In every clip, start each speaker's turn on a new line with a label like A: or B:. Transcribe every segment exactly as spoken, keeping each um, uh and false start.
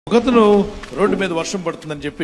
A: ఒకతను రోడ్డు మీద వర్షం పడుతుందని చెప్పి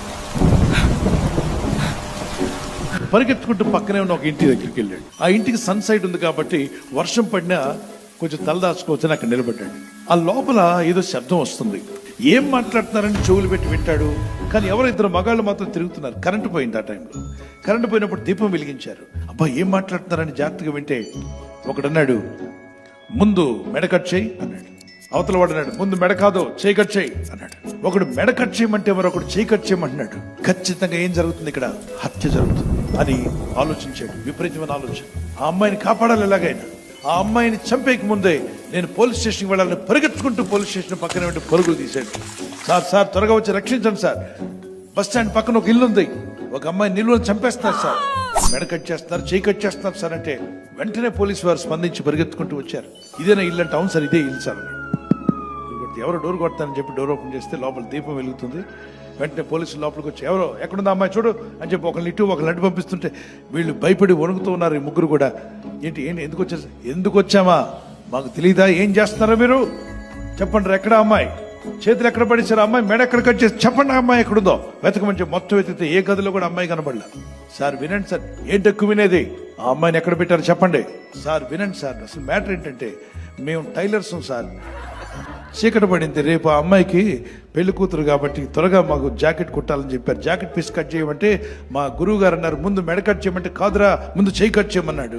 A: పరిగెత్తుకుంటూ పక్కనే ఉన్న ఒక ఇంటి దగ్గరికి వెళ్ళాడు. ఆ ఇంటికి సన్ సైడ్ ఉంది కాబట్టి వర్షం పడినా కొంచెం తలదాచుకోవచ్చని అక్కడ నిలబడ్డాడు. ఆ లోపల ఏదో శబ్దం వస్తుంది. ఏం మాట్లాడుతున్నారని చెవులు పెట్టి వింటాడు. కానీ ఎవరో ఇద్దరు మగాళ్ళు మాత్రం తిరుగుతున్నారు. కరెంటు పోయింది. ఆ టైంలో కరెంటు పోయినప్పుడు దీపం వెలిగించారు. అబ్బా ఏం మాట్లాడుతున్నారని జాగ్రత్తగా వింటే ఒకడన్నాడు, ముందు మెడ కట్ చేయి అన్నాడు. అవతల వాడు అన్నాడు, ముందు మెడ కాదు చేయి కట్ చేయి అన్నాడు. ఒకడు మెడ కట్ చేయమంటే మరొకడు చేయి కట్ చేయమంటున్నాడు. ఖచ్చితంగా ఏం జరుగుతుంది ఇక్కడ? హత్య జరుగుతుంది అని ఆలోచించాడు. విపరీతమైన ఆలోచన. ఆ అమ్మాయిని కాపాడాలి ఎలాగైనా. ఆ అమ్మాయిని చంపేకి ముందే నేను పోలీస్ స్టేషన్కి వెళ్ళాలని పరిగెత్తుకుంటూ పోలీస్ స్టేషన్ పక్కన వెంట పరుగులు తీశాడు. సార్ సార్ త్వరగా వచ్చి రక్షించండి సార్, బస్ స్టాండ్ పక్కన ఒక ఇల్లు ఉంది, ఒక అమ్మాయి నిలువని చంపేస్తున్నారు సార్, మెడ కట్ చేస్తున్నారు, చేయి కట్ చేస్తున్నారు సార్ అంటే వెంటనే పోలీసు వారు స్పందించి పరిగెత్తుకుంటూ వచ్చారు. ఇదేనా ఇల్లు అంటే, అవును సార్ ఇదే ఇల్లు సార్ అన్నాడు. ఎవరో డోర్ కొడతానని చెప్పి డోర్ ఓపెన్ చేస్తే లోపల దీపం వెలుగుతుంది. వెంటనే పోలీసులు లోపలికి వచ్చి ఎవరో ఎక్కడుందా అమ్మాయి చూడు అని చెప్పి ఒకరిని ఇటు ఒకరిని అటు పంపిస్తుంటే వీళ్ళు భయపడి వణుకుతూ ఉన్నారు. ఈ ముగ్గురు కూడా ఏంటి ఏంటి ఎందుకు వచ్చారు? ఎందుకు వచ్చామా మాకు తెలియదా? ఏం చేస్తున్నారో మీరు చెప్పండి. ఎక్కడ అమ్మాయి? చేతులు ఎక్కడ పడేసారు? అమ్మాయి మెడ ఎక్కడ కట్ చేసి చెప్పండి. అమ్మాయి ఎక్కడుందో వెతకమని చెప్పి మొత్తం వెతికితే ఏ గదిలో కూడా అమ్మాయి కనబడలా. సార్ వినండి సార్. ఏంటి ఎక్కువ వినేది? ఆ అమ్మాయిని ఎక్కడ పెట్టారు చెప్పండి. సార్ వినండి సార్, అసలు మ్యాటర్ ఏంటంటే మేము టైలర్స్ సార్, చీకటి పడింది, రేపు ఆ అమ్మాయికి పెళ్లి కూతురు కాబట్టి త్వరగా మాకు జాకెట్ కుట్టాలని చెప్పారు. జాకెట్ పీస్ కట్ చేయమంటే మా గురువు గారు అన్నారు ముందు మెడ కట్ చేయమంటే కాదురా ముందు చేయి కట్ చేయమన్నాడు.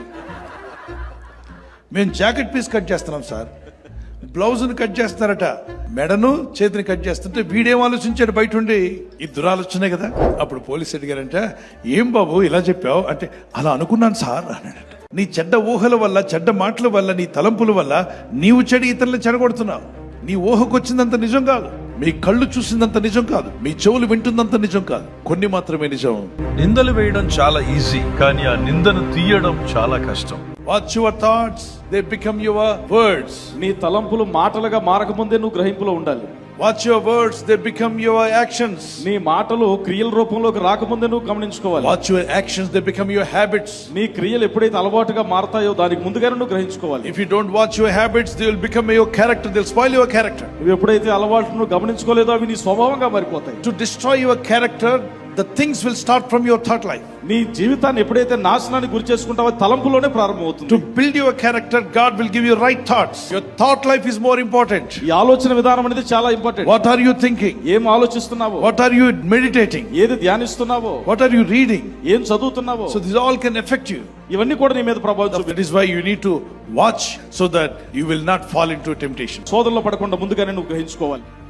A: మేము జాకెట్ పీస్ కట్ చేస్తున్నాం సార్, బ్లౌజ్ని కట్ చేస్తున్నారట, మెడను చేతిని కట్ చేస్తుంటే వీడేం ఆలోచించాడు బయట ఉండి? ఈ దురాలోచనే కదా. అప్పుడు పోలీసు అడిగారంట, ఏం బాబు ఇలా చెప్పావు అంటే, అలా అనుకున్నాను సార్ అన్నాడట. నీ చెడ్డ ఊహల వల్ల, చెడ్డ మాటల వల్ల, నీ తలంపుల వల్ల నీవు చెడు ఇతరులను చెడగొడుతున్నావు. నీ ఊహకు వచ్చిందంత నిజం కాదు, మీ కళ్ళు చూసిందంత నిజం కాదు, మీ చెవులు వింటుందంత నిజం కాదు, కొన్ని మాత్రమే నిజం.
B: నిందలు వేయడం చాలా ఈజీ, కానీ ఆ నిందను తీయడం చాలా కష్టం.
A: Watch your thoughts, they become your words.
C: నీ తలంపులు మాటలుగా మారకముందే నువ్వు గ్రహింపులో ఉండాలి.
A: Watch your words, they become your actions.
C: నీ మాటలు క్రియల రూపంలోకి రాకముందే నువ్వు గమనించుకోవాలి.
A: Watch your actions, they become your habits.
C: నీ క్రియలు ఎప్పుడైతే అలవాటుగా మారతాయో దానికి ముందుగానే నువ్వు గ్రహించుకోవాలి.
A: If you don't watch your habits, they will become your character, they will spoil your character.
C: నువ్వు ఎప్పుడైతే అలవాట్లు నువ్వు గమనించుకోలేదో అవి నీ స్వభావంగా మారిపోతాయి.
A: To destroy your character, the things will start from your thought life.
C: నీ జీవితాన్ని ఎప్పుడైతే నాశనానికి గురి చేసుకుంటావో తలంపులోనే ప్రారంభమవుతుంది.
A: To build your character, God will give you right thoughts. Your thought life is more important.
C: ఈ ఆలోచన విధానం అనేది చాలా important.
A: What are you thinking?
C: ఏం ఆలోచిస్తున్నావో,
A: what are you meditating,
C: ఏది ధ్యానిస్తున్నావో,
A: what are you reading,
C: ఏం చదువుతున్నావో,
A: so this all can affect you.
C: ఇవన్నీ కూడా నీ మీద ప్రభావం చూపుతాయి.
A: That is why you need to watch so that you will not fall into temptation.
C: శోధనలో పడకుండా ముందుగానే నువ్వు గ్రహించుకోవాలి.